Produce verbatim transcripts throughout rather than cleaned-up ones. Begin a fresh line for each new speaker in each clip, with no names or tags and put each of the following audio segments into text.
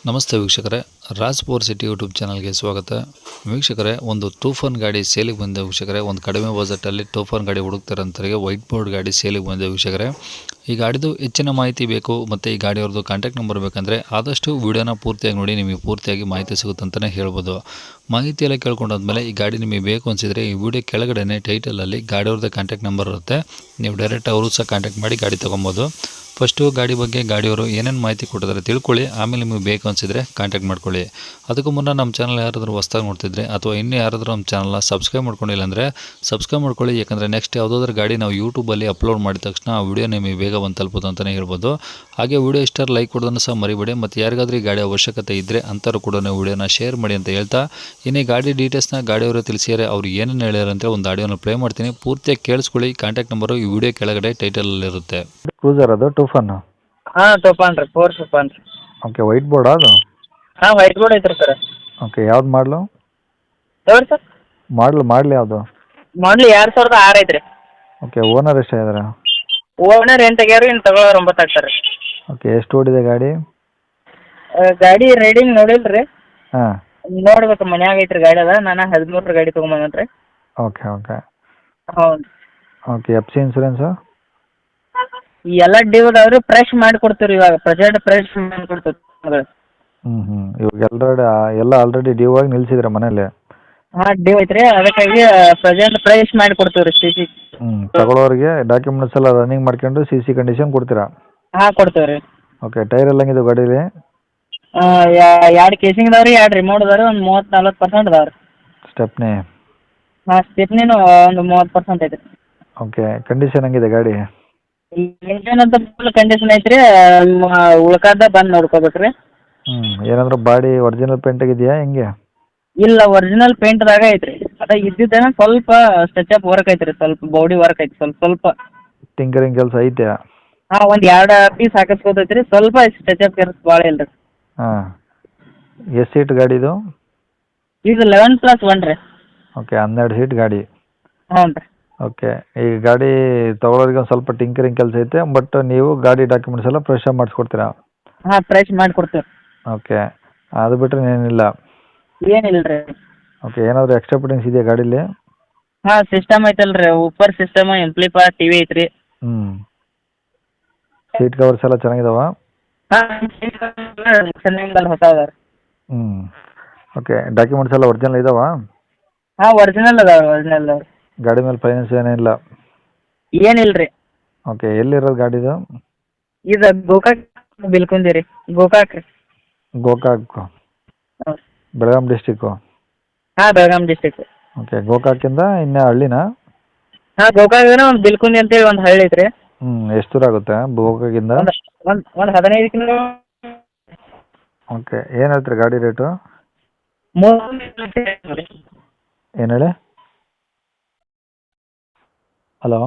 ನಮಸ್ತೆ ವೀಕ್ಷಕರೇ, Raj power city YouTube ಚಾನಲ್ಗೆ ಸ್ವಾಗತ. ವೀಕ್ಷಕರೇ, ಒಂದು ಟೂಫಾನ್ ಗಾಡಿ ಸೇಲಿಗೆ ಬಂದ ವೀಕ್ಷಕರೇ, ಒಂದು ಕಡಿಮೆ ಬಜೆಟಲ್ಲಿ ಟೂಫಾನ್ ಗಾಡಿ ಹುಡುಕ್ತಾರಂತರಿಗೆ ವೈಟ್ ಬೋರ್ಡ್ ಗಾಡಿ ಸೇಲಿಗೆ ಬಂದ ವೀಕ್ಷಕರೇ. ಈ ಗಾಡಿದು ಹೆಚ್ಚಿನ ಮಾಹಿತಿ ಬೇಕು ಮತ್ತು ಈ ಗಾಡಿಯವ್ರದ್ದು ಕಾಂಟ್ಯಾಕ್ಟ್ ನಂಬರ್ ಬೇಕಂದರೆ ಆದಷ್ಟು ವೀಡಿಯೋನ ಪೂರ್ತಿಯಾಗಿ ನೋಡಿ, ನಿಮಗೆ ಪೂರ್ತಿಯಾಗಿ ಮಾಹಿತಿ ಸಿಗುತ್ತಂತಲೇ ಹೇಳ್ಬೋದು. ಮಾಹಿತಿ ಎಲ್ಲ ಕೇಳ್ಕೊಂಡಾದ್ಮೇಲೆ ಈ ಗಾಡಿ ನಿಮಗೆ ಬೇಕು ಅನಿಸಿದರೆ ಈ ವಿಡಿಯೋ ಕೆಳಗಡೆ ಟೈಟಲಲ್ಲಿ ಗಾಡಿಯವ್ರದ್ದು ಕಾಂಟ್ಯಾಕ್ಟ್ ನಂಬರ್ ಇರುತ್ತೆ. ನೀವು ಡೈರೆಕ್ಟ್ ಅವರು ಸಹ ಕಾಂಟ್ಯಾಕ್ಟ್ ಮಾಡಿ ಗಾಡಿ ತೊಗೊಬೋದು. ಫಸ್ಟು ಗಾಡಿ ಬಗ್ಗೆ ಗಾಡಿಯವರು ಏನೇನು ಮಾಹಿತಿ ಕೊಟ್ಟಿದ್ದಾರೆ ತಿಳ್ಕೊಳ್ಳಿ, ಆಮೇಲೆ ನಿಮಗೆ ಬೇಕು ಅನಿಸಿದರೆ ಕಾಂಟ್ಯಾಕ್ಟ್ ಮಾಡ್ಕೊಳ್ಳಿ. ಅದಕ್ಕೂ ಮುನ್ನ ನಮ್ಮ ಚಾನಲ್ ಯಾರಾದರೂ ಹೊಸ್ದಾಗಿ ನೋಡ್ತಿದ್ರೆ ಅಥವಾ ಇನ್ನೂ ಯಾರಾದರೂ ನಮ್ಮ ಚಾನಲ್ನ ಸಬ್ಸ್ಕ್ರೈಬ್ ಮಾಡ್ಕೊಂಡಿಲ್ಲ ಅಂದರೆ ಸಬ್ಸ್ಕ್ರೈಬ್ ಮಾಡ್ಕೊಳ್ಳಿ. ಯಾಕಂದರೆ ನೆಕ್ಸ್ಟ್ ಯಾವುದಾದ್ರೂ ಗಾಡಿ ನಾವು ಯೂಟ್ಯೂಬಲ್ಲಿ ಅಪ್ಲೋಡ್ ಮಾಡಿದ ತಕ್ಷಣ ಆ ವಿಡಿಯೋ ನಿಮಗೆ ಬೇಗ ಬಂದು ತಲುಪೋದು ಅಂತಲೇ ಹೇಳ್ಬೋದು. ಹಾಗೆ ವಿಡಿಯೋ ಇಷ್ಟ ಲೈಕ್ ಕೊಡೋದನ್ನು ಸಹ ಮರಿಬೇಡಿ. ಮತ್ತು ಯಾರಿಗಾದ್ರೂ ಈ ಗಾಡಿ ಅವಶ್ಯಕತೆ ಇದ್ದರೆ ಅಂಥವ್ರು ಕೂಡ ವಿಡಿಯೋನ ಶೇರ್ ಮಾಡಿ ಅಂತ ಹೇಳ್ತಾ, ಇನ್ನೇ ಗಾಡಿ ಡೀಟೇಲ್ಸ್ನ ಗಾಡಿಯವರು ತಿಳಿಸಿದರೆ ಅವ್ರು ಏನೇನು ಹೇಳ್ಯಾರ ಅಂತ ಒಂದು ಆಡಿಯೋನ ಪ್ಲೇ ಮಾಡ್ತೀನಿ, ಪೂರ್ತಿಯಾಗಿ ಕೇಳಿಸ್ಕೊಳ್ಳಿ. ಕಾಂಟ್ಯಾಕ್ಟ್ ನಂಬರು ಈ ವಿಡಿಯೋ ಕೆಳಗಡೆ ಟೈಟಲಲ್ಲಿರುತ್ತೆ.
ಕ್ರೂಸರ್ ಅದು ಟೂಫನ್?
ಹಾಂ ಟೂಫಾನ್ ರೀ, ಫೋರ್ ಟೂಫಾನ್ ರೀ.
ಓಕೆ, ವೈಟ್ ಬೋರ್ಡ್ ಅದು?
ಹಾಂ ವೈಟ್ ಬೋರ್ಡ್ ಐತ್ರಿ ಸರ್.
ಓಕೆ, ಯಾವ್ದು ಮಾಡಲು?
ಯಾವ್ದು ಸರ್?
ಮಾಡಲು ಮಾಡಲಿ ಯಾವುದು?
ಮಾಡಲಿ ಎರಡು ಸಾವಿರದ ಆರು ಐತ್ರಿ.
ಓಕೆ, ಓನರ್ ಎಷ್ಟು ಇದ್ದಾರೆ?
ಓನರ್ ಏನು ತೆಗ್ಯಾರು, ಇನ್ನು ತಗೊಳ್ಳೋರು ಒಂಬತ್ತು ಆಗ್ತಾರೆ.
ಓಕೆ, ಎಷ್ಟು ಓಡಿದೆ ಗಾಡಿ?
ಗಾಡಿ ರೈಡಿಂಗ್ ನೋಡಿಲ್ಲ ರೀ.
ಹಾಂ,
ನೋಡ್ಬೇಕು, ಮನ್ಯಾಗ ಐತ್ರಿ ಗಾಡಿ ಅದ. ನಾನು ಹದಿಮೂರರ ಗಾಡಿ ತೊಗೊಂಬಂದ್ರಿ.
ಓಕೆ ಓಕೆ
ಹ್ಞೂ.
Okay, F C insurance?
ಈ ಎಲ್ಲ ಡ್ಯೂ ಅದಾವ್ರಿ, ಫ್ರೆಶ್ ಮಾಡಿ ಕೊಡ್ತೀವಿ ರೀ. ಇವಾಗ ಪ್ರೆಸೆಂಟ್ ಫ್ರೆಶ್ ಮಾಡಿ ಕೊಡ್ತೀವಿ.
ಹ್ಞೂ ಹ್ಞೂ ಇವಾಗ ಆಲ್ರೆಡಿ ಎಲ್ಲ ಆಲ್ರೆಡಿ ಡ್ಯೂ ಆಗಿ ನಿಲ್ಸಿದ್ರೆ ಮನೇಲಿ?
ಹಾಂ ಡ್ಯೂ ಐತ್ರಿ, ಅದಕ್ಕಾಗಿ ಪ್ರೆಸೆಂಟ್ ಫ್ರೆಶ್ ಮಾಡಿ ಕೊಡ್ತೀವಿ ರೀ. ಸಿ ಸಿ
ಹ್ಞೂ ತಗೊಳ್ಳೋರಿಗೆ ಡಾಕ್ಯುಮೆಂಟ್ಸ್ ಎಲ್ಲ ರನ್ನಿಂಗ್ ಮಾಡ್ಕೊಂಡು ಸಿ ಸಿ ಕಂಡೀಷನ್ ಕೊಡ್ತೀರಾ?
ಹಾಂ ಕೊಡ್ತೀವಿ ರೀ.
ಓಕೆ, ಟೈರ್ ಎಲ್ಲ ಹೆಂಗಿದೆ ಗಾಡೀಲಿ?
ಎರಡು ಕೇಸಿಂಗ್ ಅದಾವೆ ರೀ, ಎರಡು ರಿಮೋಟ್ ಅದಾವೆ ರೀ, ಒಂದು ಮೂವತ್ತು ನಲ್ವತ್ತು ಪರ್ಸೆಂಟ್ ಅದಾವೆ ರೀ.
ಸ್ಟೆಪ್ನಿ?
ಹಾಂ ಸ್ಟೆಪ್ನಿನೂ ಒಂದು ಮೂವತ್ತು ಪರ್ಸೆಂಟ್ ಐತೆ ರೀ.
ಓಕೆ, ಕಂಡೀಷನ್ ಹೆಂಗಿದೆ ಗಾಡಿ?
ಇಂಜನ್ ಅಂತ ಫುಲ್ ಕಂಡೀಷನ್ ಐತ್ರಿ. ಉಳ್ಕಾದ ಬಂದು ನೋಡ್ಕೋಬೇಕು ರೀ.
ಹ್ಞೂ ಏನಾದರೂ ಬಾಡಿ ಒರಿಜಿನಲ್ ಪೇಂಟ್ ಆಗಿದೆಯಾ ಹೆಂಗೆ?
ಇಲ್ಲ, ಒರಿಜಿನಲ್ ಪೇಂಟ್ದಾಗ ಐತ್ರಿ. ಅದ ಇದ್ದಿದ್ದೇನ ಸ್ವಲ್ಪ ಸ್ಟೆಚಪ್ ವರ್ಕ್ ಐತ್ರಿ, ಸ್ವಲ್ಪ ಬಾಡಿ ವರ್ಕ್ ಐತಿ ಸ್ವಲ್ಪ ಸ್ವಲ್ಪ.
ಟಿಂಕರಿಂಗ್ ಕೆಲಸ ಐತೆ?
ಹಾಂ ಒಂದು ಎರಡು ಪೀಸ್ ಹಾಕಿಸ್ಕೋತೈತ್ರಿ, ಸ್ವಲ್ಪ ಸ್ಟೆಚಪ್ ಕೆಲಸ ಭಾಳ ಇಲ್ಲ ರೀ.
ಹಾಂ, ಎಷ್ಟು ಸೀಟ್ ಗಾಡಿ ಇದು?
ಇದು ಲೆವೆನ್ ಪ್ಲಸ್ ಒನ್ ರೀ.
ಓಕೆ, ಹನ್ನೆರಡು ಸೀಟ್ ಗಾಡಿ.
ಹ್ಞೂ ರೀ.
ಓಕೆ, ಈ ಗಾಡಿ ತೊಗೊಳೋರಿಗೆ ಒಂದು ಸ್ವಲ್ಪ ಟಿಂಕರಿಂಗ್ ಕೆಲಸ ಐತೆ, ಬಟ್ ನೀವು ಗಾಡಿ ಡಾಕ್ಯುಮೆಂಟ್ಸ್ ಎಲ್ಲ ಫ್ರೆಶ್ ಆಗಿ ಮಾಡಿಸ್ಕೊಡ್ತೀರಾ?
ಹಾಂ ಫ್ರೆಶ್ ಮಾಡಿ ಕೊಡ್ತೀವಿ.
ಓಕೆ, ಅದು ಬಿಟ್ಟರೆ ಏನಿಲ್ಲ?
ಏನಿಲ್ಲ ರೀ.
ಓಕೆ, ಏನಾದರೂ ಎಕ್ಸ್ಟ್ರಾ ಫಿಟ್ಟಿಂಗ್ಸ್ ಇದೆಯಾ ಗಾಡೀಲಿ?
ಹಾಂ ಸಿಸ್ಟಮ್ ಐತಲ್ಲ ರೀ, upper system, amplifier, T V ಐತ್ರಿ.
ಹ್ಞೂ ಸೀಟ್ ಕವರ್ಸ್ ಎಲ್ಲ ಚೆನ್ನಾಗಿದಾವ?
ಹಾಂ ಚೆನ್ನಾಗಿ ಹೊಸ ಅದಾವ ರೀ.
ಹ್ಞೂ ಓಕೆ, ಡಾಕ್ಯುಮೆಂಟ್ಸ್ ಎಲ್ಲ ಒರಿಜಿನಲ್ ಇದಾವ?
ಹಾಂ ಒರಿಜಿನಲ್ ಅದಾವೆ, ಒರಿಜಿನಲ್ ಅದಾವೆ.
ಗಾಡಿ ಮೇಲೆ ಫೈನಾನ್ಸ್ ಏನಿಲ್ಲ?
ಏನಿಲ್ಲ ರೀ.
ಓಕೆ, ಎಲ್ಲಿರೋದು ಗಾಡಿದು?
ಇದು ಗೋಕಾಕ್ ಬಿಲ್ಕುಂದಿ ರೀ, ಗೋಕಾಕ್ ರೀ.
ಗೋಕಾಕ್?
ಹೌದು.
ಬೆಳಗಾಂ ಡಿಸ್ಟಿಕ್ಕು?
ಹಾಂ ಬೆಳಗಾಂ ಡಿಸ್ಟಿಕ್.
ಓಕೆ, ಗೋಕಾಕಿಂದ ಇನ್ನೇ ಹಳ್ಳಿನಾ?
ಹಾಂ ಗೋಕಾಕ್ನ ಒಂದು ಬಿಲ್ಕುಂದಿ ಅಂತೇಳಿ ಒಂದು ಹಳ್ಳಿ ಐತ್ರಿ.
ಹ್ಞೂ ಎಷ್ಟು ದೂರ ಆಗುತ್ತೆ ಗೋಕಾಕಿಂದ?
ಒಂದು ಒಂದು ಒಂದು ಹದಿನೈದು ಕಿಲೋ.
ಓಕೆ, ಏನು ಹೇಳ್ತೀರಿ ಗಾಡಿ ರೇಟು?
ಮೂರು ಲಕ್ಷ ರೀ.
ಏನು ಹೇಳಿ? ಹಲೋ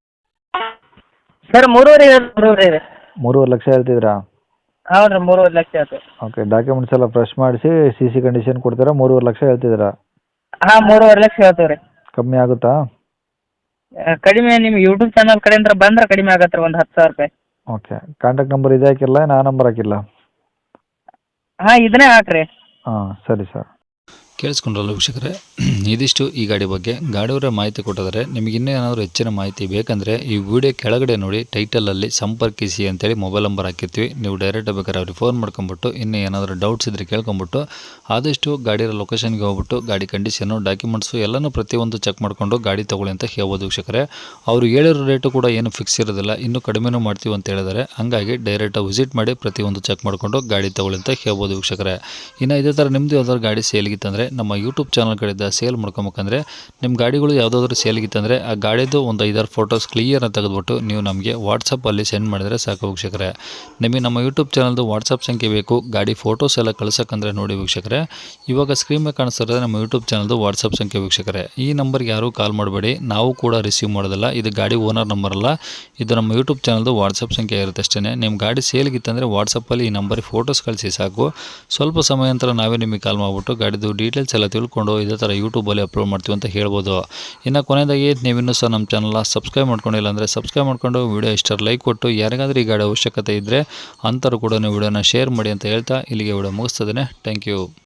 ಸರ್ ಮೂರುವರೆ ಮೂರುವರೆ ರೀ.
ಮೂರುವರೆ ಲಕ್ಷ ಹೇಳ್ತಿದ್ರಾ?
ಹೌದು ರೀ, ಮೂರುವರೆ ಲಕ್ಷ ಆಯ್ತು.
ಓಕೆ, ಡಾಕ್ಯುಮೆಂಟ್ಸ್ ಎಲ್ಲ ಫ್ರೆಶ್ ಮಾಡಿಸಿ ಸಿ ಸಿ ಕಂಡೀಷನ್ ಕೊಡ್ತೀರಾ? ಮೂರುವರೆ ಲಕ್ಷ ಹೇಳ್ತಿದ್ದೀರಾ?
ಹಾಂ ಮೂರುವರೆ ಲಕ್ಷ ಹೇಳ್ತೀವಿ ರೀ.
ಕಮ್ಮಿ ಆಗುತ್ತಾ?
ಕಡಿಮೆ ನಿಮ್ಮ ಯೂಟ್ಯೂಬ್ ಚಾನಲ್ ಕಡೆಯಿಂದ ಬಂದ್ರೆ ಕಡಿಮೆ ಆಗತ್ತೆ ರೀ, ಒಂದು ಹತ್ತು ಸಾವಿರ ರೂಪಾಯಿ.
ಓಕೆ, ಕಾಂಟ್ಯಾಕ್ಟ್ ನಂಬರ್ ಇದೆ ಹಾಕಿಲ್ಲ, ನಾ ನಂಬರ್ ಹಾಕಿಲ್ಲ?
ಹಾಂ ಇದನ್ನೇ ಹಾಕ್ರಿ.
ಹಾಂ ಸರಿ ಸರ್.
ಕೇಳಿಸ್ಕೊಂಡ್ರಲ್ಲ ವೀಕ್ಷಕರೇ, ಇದಿಷ್ಟು ಈ ಗಾಡಿ ಬಗ್ಗೆ. ಗಾಡಿಯವರ ಮಾಹಿತಿ ಕೊಟ್ಟಿದ್ದಾರೆ. ನಿಮಗೆ ಇನ್ನೂ ಏನಾದರೂ ಹೆಚ್ಚಿನ ಮಾಹಿತಿ ಬೇಕಂದರೆ ಈ ವಿಡಿಯೋ ಕೆಳಗಡೆ ನೋಡಿ ಟೈಟಲಲ್ಲಿ ಸಂಪರ್ಕಿಸಿ ಅಂತೇಳಿ ಮೊಬೈಲ್ ನಂಬರ್ ಹಾಕಿರ್ತೀವಿ. ನೀವು ಡೈರೆಕ್ಟ್ ಬೇಕಾದ್ರೆ ಅವ್ರಿಗೆ ಫೋನ್ ಮಾಡ್ಕೊಂಬಿಟ್ಟು ಇನ್ನೂ ಏನಾದರೂ ಡೌಟ್ಸ್ ಇದ್ದರೆ ಕೇಳ್ಕೊಂಬಿಟ್ಟು ಆದಷ್ಟು ಗಾಡಿಯ ಲೊಕೇಶನ್ಗೆ ಹೋಗ್ಬಿಟ್ಟು ಗಾಡಿ ಕಂಡೀಷನು, ಡಾಕ್ಯುಮೆಂಟ್ಸು ಎಲ್ಲನೂ ಪ್ರತಿಯೊಂದು ಚೆಕ್ ಮಾಡಿಕೊಂಡು ಗಾಡಿ ತೊಗೊಳ್ಳಿ ಅಂತ ಹೇಳ್ಬೋದು ವೀಕ್ಷಕರೇ. ಅವರು ಹೇಳಿರೋ ರೇಟು ಕೂಡ ಏನು ಫಿಕ್ಸ್ ಇರೋದಿಲ್ಲ, ಇನ್ನೂ ಕಡಿಮೆನೂ ಮಾಡ್ತೀವಿ ಅಂತ ಹೇಳಿದ್ದಾರೆ. ಹಾಗಾಗಿ ಡೈರೆಕ್ಟಾಗಿ ವಿಸಿಟ್ ಮಾಡಿ ಪ್ರತಿಯೊಂದು ಚೆಕ್ ಮಾಡಿಕೊಂಡು ಗಾಡಿ ತೊಗೊಳ್ಳಿ ಅಂತ ಹೇಳ್ಬೋದು ವೀಕ್ಷಕರೇ. ಇನ್ನು ಇದೇ ಥರ ನಿಮ್ಮದು ಯಾವ್ದಾದ್ರು ಗಾಡಿ ಸೇಲ್ಗಿತ್ತಂದರೆ ನಮ್ಮ ಯೂಟ್ಯೂಬ್ ಚಾನಲ್ ಕಡೆಯಿಂದ ಸೇಲ್ ಮಾಡ್ಕೊಬೇಕಂದ್ರೆ ನಿಮ್ಮ ಗಾಡಿಗಳು ಯಾವುದಾದ್ರೂ ಸೇಲ್ಗಿತ್ತಂದರೆ ಆ ಗಾಡಿದು ಒಂದು ಐದಾರು ಫೋಟೋಸ್ ಕ್ಲಿಯರ್ನ ತೆಗೆದುಬಿಟ್ಟು ನೀವು ನಮಗೆ ವಾಟ್ಸಪ್ಪಲ್ಲಿ ಸೆಂಡ್ ಮಾಡಿದರೆ ಸಾಕು ವೀಕ್ಷಕರೇ. ನಿಮಗೆ ನಮ್ಮ ಯೂಟ್ಯೂಬ್ ಚಾನಲ್ದು ವಾಟ್ಸಪ್ ಸಂಖ್ಯೆ ಬೇಕು ಗಾಡಿ ಫೋಟೋಸ್ ಎಲ್ಲ ಕಳ್ಸೋಕ್ಕಂದ್ರೆ ನೋಡಿ ವೀಕ್ಷಕರೇ, ಇವಾಗ ಸ್ಕ್ರೀನ್ ಮೇಲೆ ಕಾಣಿಸ್ತಿರೋದು ನಮ್ಮ ಯೂಟ್ಯೂಬ್ ಚಾನಲ್ದು ವಾಟ್ಸಪ್ ಸಂಖ್ಯೆ ವೀಕ್ಷಕರೇ. ಈ ನಂಬರ್ಗೆ ಯಾರೂ ಕಾಲ್ ಮಾಡಬೇಡಿ, ನಾವು ಕೂಡ ರಿಸೀವ್ ಮಾಡೋದಿಲ್ಲ. ಇದು ಗಾಡಿ ಓನರ್ ನಂಬರ್ ಅಲ್ಲ, ಇದು ನಮ್ಮ ಯೂಟ್ಯೂಬ್ ಚಾನಲ್ದು ವಾಟ್ಸಪ್ ಸಂಖ್ಯೆ ಇರುತ್ತೆ ಅಷ್ಟೇ. ನಿಮ್ಮ ಗಾಡಿ ಸೇಲ್ಗಿತ್ತಂದರೆ ವಾಟ್ಸಪ್ಪಲ್ಲಿ ಈ ನಂಬರಿಗೆ ಫೋಟೋಸ್ ಕಳಿಸಿ ಸಾಕು. ಸ್ವಲ್ಪ ಸಮಯ ನಂತರ ನಾವೇ ನಿಮಗೆ ಕಾಲ್ ಮಾಡಿಬಿಟ್ಟು ಗಾಡಿದು ಡೀಟೇಲ್ಸ್ ಡೀಟೇಲ್ಸ್ ಎಲ್ಲ ತಿಳ್ಕೊಂಡು ಇದೇ ಥರ ಯೂಟ್ಯೂಬಲ್ಲಿ ಅಪ್ಲೋಡ್ ಮಾಡ್ತೀವಿ ಅಂತ ಹೇಳ್ಬೋದು. ಇನ್ನು ಕೊನೆಯದಾಗಿ ನೀವಿನ್ನೂ ಸಹ ನಮ್ಮ ಚಾನಲ್ನ ಸಬ್ಸ್ಕ್ರೈಬ್ ಮಾಡ್ಕೊಂಡಿಲ್ಲ ಅಂದರೆ ಸಬ್ಸ್ಕ್ರೈಬ್ ಮಾಡ್ಕೊಂಡು ವಿಡಿಯೋ ಇಷ್ಟ ಲೈಕ್ ಕೊಟ್ಟು ಯಾರಿಗಾದ್ರೂ ಈ ಗಾಡಿ ಅವಶ್ಯಕತೆ ಇದ್ದರೆ ಅಂಥವ್ರು ಕೂಡ ವಿಡಿಯೋನ ಶೇರ್ ಮಾಡಿ ಅಂತ ಹೇಳ್ತಾ ಇಲ್ಲಿಗೆ ವಿಡಿಯೋ ಮುಗಿಸ್ತದೆ. Thank you.